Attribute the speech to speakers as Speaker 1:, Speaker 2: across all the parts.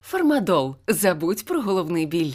Speaker 1: Фармадол. Забудь про головний біль.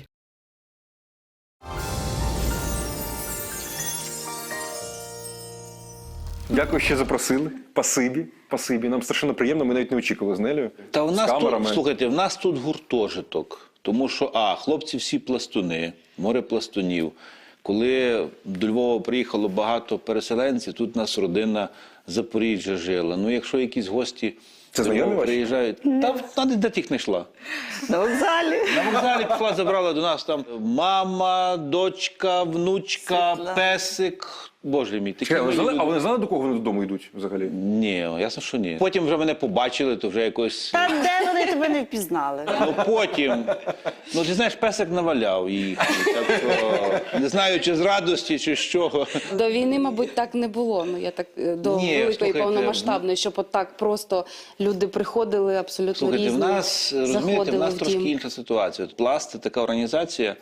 Speaker 2: Дякую, що запросили. Спасибі. Спасибі. Нам страшенно приємно, ми навіть не очікували з Нелею.
Speaker 3: Та у
Speaker 2: з
Speaker 3: нас
Speaker 2: камерами.
Speaker 3: тут, слухайте, в нас тут гуртожиток. Тому що, хлопці всі пластуни, море пластунів. Коли до Львова приїхало багато переселенців, тут у нас родина з Запоріжжя жила. Ну, якщо якісь гості
Speaker 2: Це
Speaker 3: до Львова
Speaker 2: знайомі ваші?
Speaker 3: приїжджають, та де ти їх знайшла?
Speaker 4: На вокзалі.
Speaker 3: На вокзалі пішла, забрала до нас там мама, дочка, внучка,
Speaker 4: Світла.
Speaker 3: песик. Боже мій, такі
Speaker 2: Чекай,
Speaker 3: милі люди.
Speaker 2: а вони знали, до кого вони додому йдуть взагалі?
Speaker 3: Ні, ясно, що ні. Потім вже мене побачили, то вже якось...
Speaker 4: Та де вони тебе не впізнали?
Speaker 3: Ну потім, ти знаєш, песик наваляв їх. Так що, не знаю, чи з радості, чи з чого.
Speaker 5: До війни, мабуть, так не було. Ну, я так до
Speaker 3: Ні,
Speaker 5: великої
Speaker 3: слухайте,
Speaker 5: повномасштабної, щоб от так просто люди приходили абсолютно
Speaker 3: Слухайте,
Speaker 5: різні,
Speaker 3: в нас, розумієте, в
Speaker 5: заходили
Speaker 3: нас
Speaker 5: в
Speaker 3: трошки
Speaker 5: дім.
Speaker 3: інша ситуація. От Пласт – це така організація,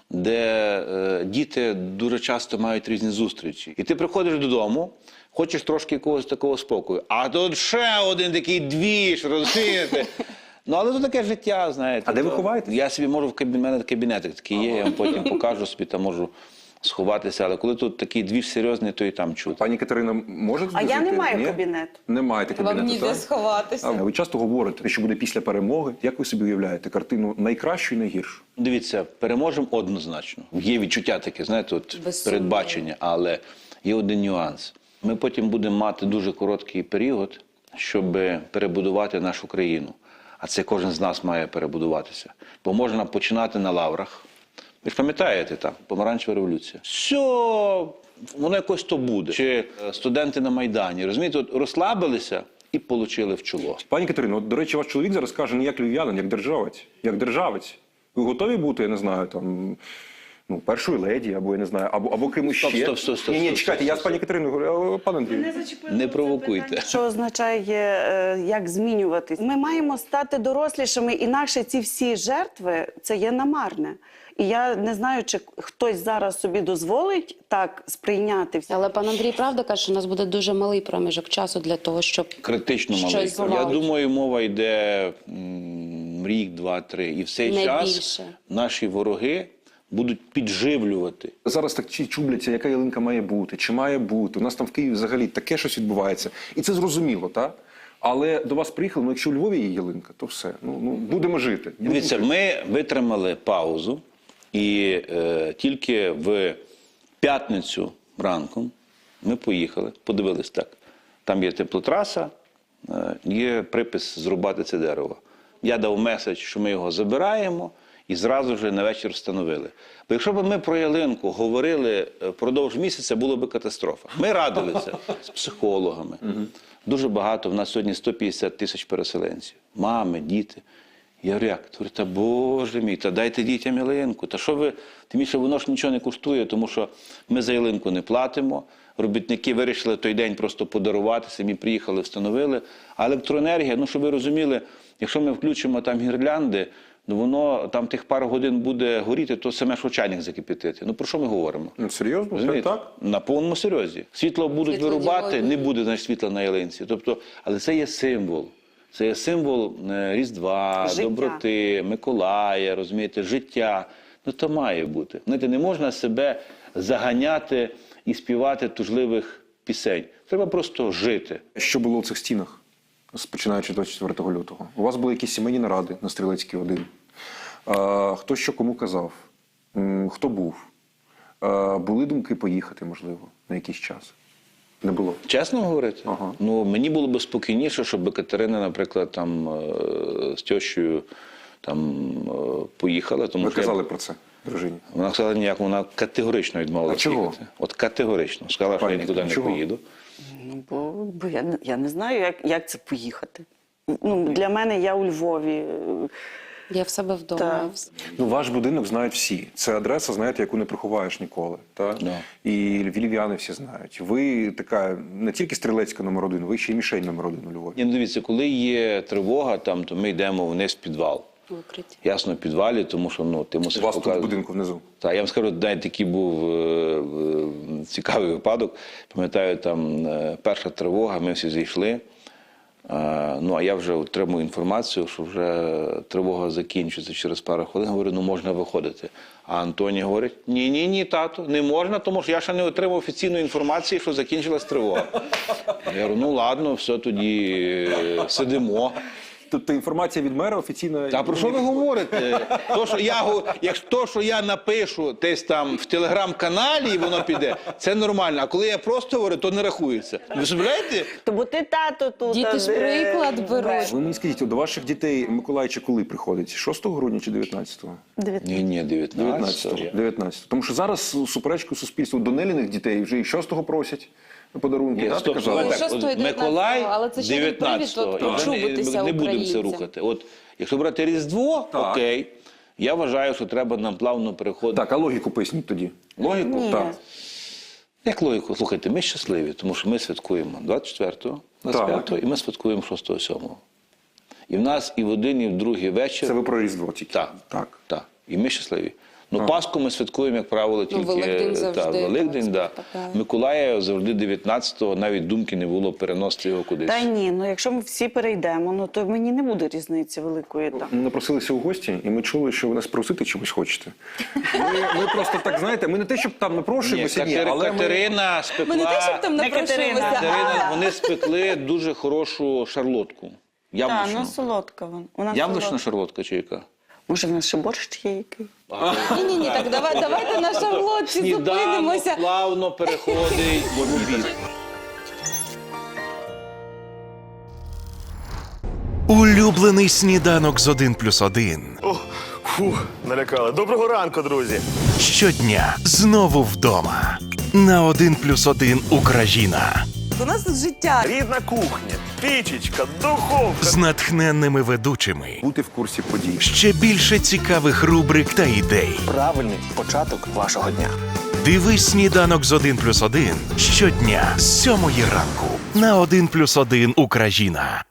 Speaker 3: де діти дуже часто мають різні зустрічі. І ти приходиш додому, хочеш трошки якогось такого спокою. А тут ще один такий двіж, розумієте? Ну, але то таке життя, знаєте.
Speaker 2: А де ви ховаєтесь?
Speaker 3: Я собі можу в мене кабінетик такий є, я вам потім покажу собі, там можу сховатися. Але коли тут такий двіж серйозний, то і там чути.
Speaker 2: Пані Катерина, може
Speaker 4: А я не
Speaker 2: зайти?
Speaker 4: маю
Speaker 2: Ні?
Speaker 4: кабінету.
Speaker 2: Не маєте кабінету,
Speaker 5: Вам ніде
Speaker 2: так?
Speaker 5: сховатися.
Speaker 2: А ви часто говорите, що буде після перемоги. Як ви собі уявляєте картину найкращу і найгіршу?
Speaker 3: Дивіться, переможемо однозначно. Є відчуття таке, знаєте, от
Speaker 5: Без
Speaker 3: передбачення, але є один нюанс. Ми потім будемо мати дуже короткий період, щоб перебудувати нашу країну. А це кожен з нас має перебудуватися. Бо можна починати на лаврах. Ви ж пам'ятаєте, там, помаранчева революція. Все, воно якось то буде. Чи студенти на Майдані, розумієте, от розслабилися і получили в чоло.
Speaker 2: Пані Катерино, от, до речі, ваш чоловік зараз каже не як львів'янин, як державець. Як державець. Ви готові бути, я не знаю, там, першою леді, або, я не знаю, або кимось
Speaker 3: Стоп,
Speaker 2: ще?
Speaker 3: стоп,
Speaker 2: Ні,
Speaker 3: стоп,
Speaker 2: чекайте, я з пані Катериною говорю, пане Андрію.
Speaker 3: Не провокуйте.
Speaker 4: Що означає, як змінюватись? Ми маємо стати дорослішими, інакше ці всі жертви – це є намарне. І я не знаю, чи хтось зараз собі дозволить так сприйняти.
Speaker 5: Але пан Андрій правда каже, що у нас буде дуже малий проміжок часу для того, щоб
Speaker 3: Критично
Speaker 5: щось
Speaker 3: малий. Я
Speaker 5: зламалось.
Speaker 3: думаю, мова йде рік, два, три. І в цей
Speaker 5: Не
Speaker 3: час
Speaker 5: більше.
Speaker 3: наші вороги будуть підживлювати.
Speaker 2: Зараз так чубляться, яка ялинка має бути, чи має бути. У нас там в Києві взагалі таке щось відбувається. І це зрозуміло, так? Але до вас приїхали, якщо у Львові є ялинка, то все. Будемо жити.
Speaker 3: Дивіться, ми витримали паузу, і тільки в п'ятницю ранком ми поїхали, подивились так. Там є теплотраса, є припис зрубати це дерево. Я дав меседж, що ми його забираємо, і зразу ж на вечір встановили. Бо якщо б ми про ялинку говорили впродовж місяця, було б катастрофа. Ми радилися з психологами. Дуже багато, в нас сьогодні 150 тисяч переселенців. Мами, діти. Я говорю, як? Говорю, та боже мій, та дайте дітям ялинку. Та що ви, тим більше воно ж нічого не коштує, тому що ми за ялинку не платимо. Робітники вирішили той день просто подарувати, самі приїхали, встановили. А електроенергія, щоб ви розуміли, якщо ми включимо там гірлянди, воно там тих пару годин буде горіти, то саме ж чайник закипятити. Про що ми говоримо?
Speaker 2: Серйозно?
Speaker 3: Розумієте?
Speaker 2: Так?
Speaker 3: На повному серйозі. Світло будуть вирубати,
Speaker 5: Світлодіодні.
Speaker 3: не буде, значить, світла на ялинці. Але це є символ. Це є символ Різдва,
Speaker 4: Життя.
Speaker 3: доброти, Миколая, розумієте, життя. То має бути. Знаєте, не можна себе заганяти і співати тужливих пісень. Треба просто жити.
Speaker 2: Що було у цих стінах, починаючи з 24 лютого? У вас були якісь сімейні наради на Стрілецькій 1. Хто що кому казав? Хто був? Були думки поїхати, можливо, на якийсь час? Не було?
Speaker 3: Чесно говорити?
Speaker 2: Ага.
Speaker 3: Мені було б спокійніше, щоб Катерина, наприклад, там з тещою поїхала. Тому
Speaker 2: Ви
Speaker 3: що
Speaker 2: казали про це, дружині?
Speaker 3: Вона сказала ніяк, вона категорично відмовилася.
Speaker 2: А чого?
Speaker 3: їхати. От категорично. Сказала, що я
Speaker 2: Пані,
Speaker 3: нікуди не
Speaker 2: чого?
Speaker 3: поїду.
Speaker 4: Бо я не знаю, як це поїхати. Для мене я у Львові.
Speaker 5: я в себе вдома.
Speaker 4: Так.
Speaker 2: Ваш будинок знають всі. Це адреса, знаєте, яку не приховаєш ніколи. Так?
Speaker 3: Да.
Speaker 2: І львів'яни всі знають. Ви така не тільки Стрілецька номер 1, ви ще й мішень номер 1 у Львові.
Speaker 3: Дивіться, коли є тривога, то ми йдемо вниз в підвал.
Speaker 5: В укритті.
Speaker 3: Ясно, в підвалі, тому що ти мусиш
Speaker 2: У вас тут в
Speaker 3: показувати.
Speaker 2: будинку внизу.
Speaker 3: Так, я вам скажу, навіть такий був цікавий випадок. Пам'ятаю, там перша тривога, ми всі зайшли. Ну, а я вже отримую інформацію, що вже тривога закінчується через пару хвилин. Говорю, ну можна виходити. А Антоній говорить, ні, тату, не можна, тому що я ще не отримав офіційної інформації, що закінчилась тривога. Я говорю, ну ладно, все, тоді сидимо.
Speaker 2: Тобто інформація від мера офіційна...
Speaker 3: А про що ви говорите? То, що я напишу десь там в телеграм-каналі, і воно піде, це нормально. А коли я просто говорю, то не рахується. Ви розумієте?
Speaker 4: Тому ти тато тут.
Speaker 5: Діти ж приклад беруть.
Speaker 2: Ви мені скажіть, до ваших дітей Миколайчик коли приходить? 6 грудня чи 19-го?
Speaker 3: Ні, 19.
Speaker 2: 19. Тому що зараз суперечку суспільству до Неліних дітей вже і 6-го просять подарунки.
Speaker 3: Ні,
Speaker 2: так,
Speaker 3: стоп,
Speaker 2: ти казала?
Speaker 3: давай так.
Speaker 5: 6-го і
Speaker 3: От Миколай
Speaker 5: 19-го, але це ще один привід
Speaker 3: 19-го.
Speaker 5: от
Speaker 3: І вже
Speaker 5: почубитися
Speaker 3: не будемо це
Speaker 5: українцям.
Speaker 3: рухати. От, якщо брати Різдво,
Speaker 2: Так.
Speaker 3: окей. Я вважаю, що треба нам плавно переходити.
Speaker 2: Так, а логіку поясніть тоді.
Speaker 3: Логіку?
Speaker 4: Ні.
Speaker 2: Так.
Speaker 3: Як логіку? Слухайте, ми щасливі, тому що ми святкуємо 24-го, 25-го, і ми святкуємо 6-го, 7-го. І в нас і в один, і в другий вечір.
Speaker 2: Це ви про Різдво тільки.
Speaker 3: Так.
Speaker 2: Так.
Speaker 3: Так. І ми щасливі. Ну, Пасху ми святкуємо, як правило, тільки
Speaker 5: Великдень завжди,
Speaker 3: Великдень, да.
Speaker 5: 25-го.
Speaker 3: Миколая завжди 19-го, навіть думки не було переносити його кудись.
Speaker 4: Та ні, ну якщо ми всі перейдемо, ну то мені не буде різниці великої там.
Speaker 2: Ми напросилися у гості, і ми чули, що ви нас просити чогось хочете. Ми просто так, знаєте, ми не те, щоб там напрошуємося, ні, але ми...
Speaker 3: Катерина спекла.
Speaker 5: Ми не те, щоб там
Speaker 4: Не Катерина.
Speaker 5: напрошувалися.
Speaker 3: Катерина, вони спекли дуже хорошу шарлотку.
Speaker 4: Так,
Speaker 3: Яблучну.
Speaker 4: ну солодка вона.
Speaker 3: Яблучна шарлотка чи яка?
Speaker 4: Може, в нас ще борщ є який?
Speaker 5: Ні, так давайте на шарлотці
Speaker 3: Сніданок
Speaker 5: зупинимося.
Speaker 3: плавно переходить в обід.
Speaker 6: Улюблений сніданок з 1+1.
Speaker 7: О, фух, налякали. Доброго ранку, друзі.
Speaker 6: Щодня знову вдома. На 1+1 Україна.
Speaker 8: У нас тут життя.
Speaker 7: Рідна кухня, пічечка, духовка.
Speaker 6: З натхненними ведучими.
Speaker 2: Бути в курсі подій.
Speaker 6: Ще більше цікавих рубрик та ідей.
Speaker 9: Правильний початок вашого дня.
Speaker 6: Дивись сніданок з 1+1 щодня з 7 ранку. На 1+1 Україна.